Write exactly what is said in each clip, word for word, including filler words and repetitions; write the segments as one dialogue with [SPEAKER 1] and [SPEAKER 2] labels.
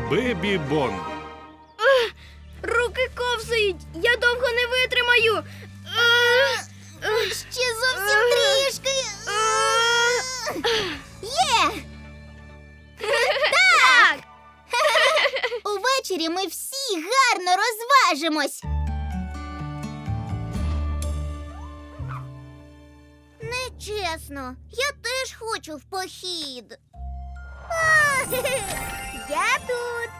[SPEAKER 1] Бебі Бон.
[SPEAKER 2] Руки ковзають, я довго не витримаю. Е, е,
[SPEAKER 3] Ще зовсім трішки. Є!
[SPEAKER 2] Так!
[SPEAKER 3] Увечері ми всі гарно розважимось. Нечесно. Я теж хочу в похід. А, я тут.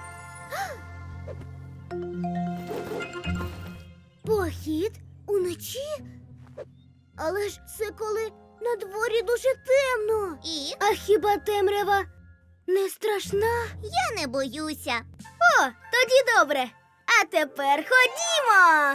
[SPEAKER 3] Похід? Уночі? Але ж це коли на дворі дуже темно. І?
[SPEAKER 2] А хіба темрява не страшна?
[SPEAKER 3] Я не боюся.
[SPEAKER 2] О, тоді добре. А тепер ходімо.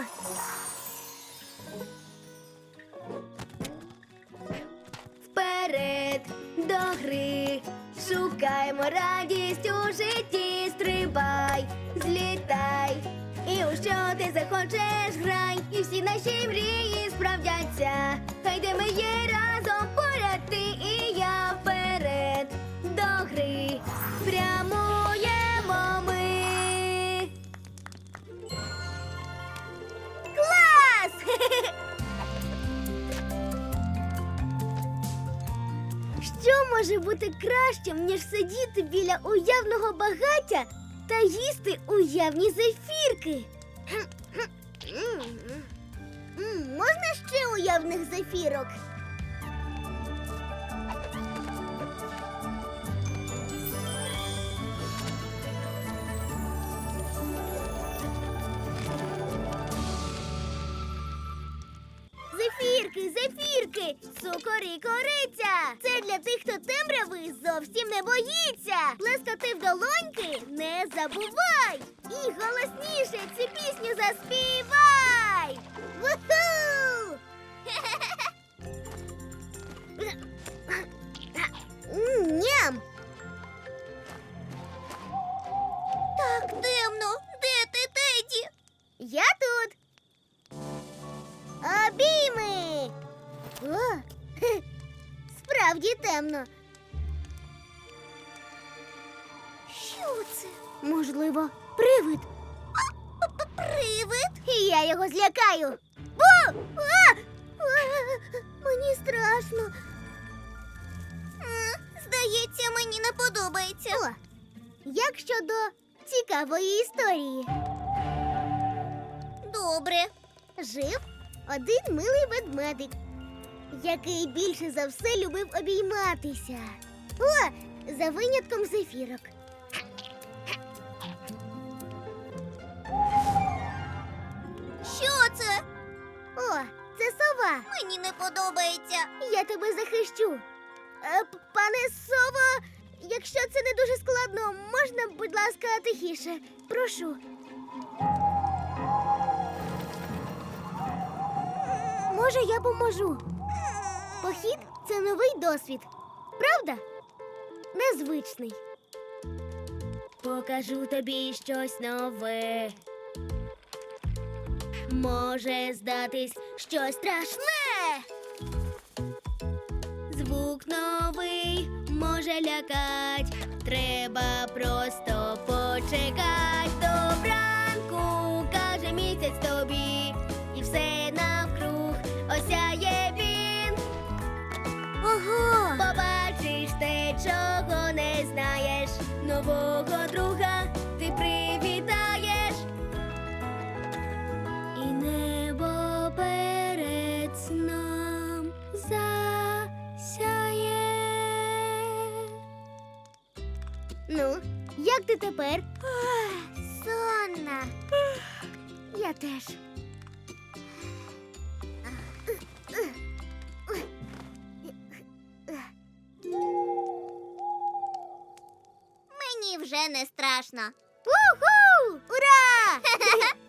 [SPEAKER 2] Вперед до гри, шукаймо радість у житті, стрибай, злітай. І у що ти захочеш, грай, і всі наші мрії справдяться. Хай де ми є разом, поряд ти і я, вперед до гри, прямуємо ми.
[SPEAKER 3] Клас!
[SPEAKER 2] Що може бути кращим, ніж сидіти біля уявного багаття та їсти уявні зефірки?
[SPEAKER 3] М, Можна ще уявних зефірок? Зефірки, зефірки, цукор і кориця. Це для тих, хто темряви зовсім не боїться. Плескати в долоньки не забувай. І голосніше цю пісню заспівай. Вуху! М, Ням! Так темно. Де ти, Теді? Я тут. Обійми! О, хе, справді темно. Що це?
[SPEAKER 2] Можливо, привид?
[SPEAKER 3] Привид? І я його злякаю. О! А! А! Мені страшно. М, Здається, мені не подобається. О, як щодо цікавої історії? Добре. Жив один милий ведмедик, який більше за все любив обійматися. О, за винятком зефірок. Що це? О, це сова. Мені не подобається. Я тебе захищу. Е, п- Пане сово, якщо це не дуже складно, можна, будь ласка, тихіше. Прошу. Може, я поможу. Похід – це новий досвід. Правда? Незвичний.
[SPEAKER 2] Покажу тобі щось нове. Може здатись щось страшне. Звук новий може лякать. Треба просто почекать. Добранку, каже місяць тобі. І все навкруг осяє він.
[SPEAKER 3] Ого!
[SPEAKER 2] Побачиш те, чого не знаєш. Нового друга ти привітаєш. І небо перед сном засяє.
[SPEAKER 3] Ну, як ти тепер? Сонна. Я теж. Мені вже не страшно. Уху! Ура!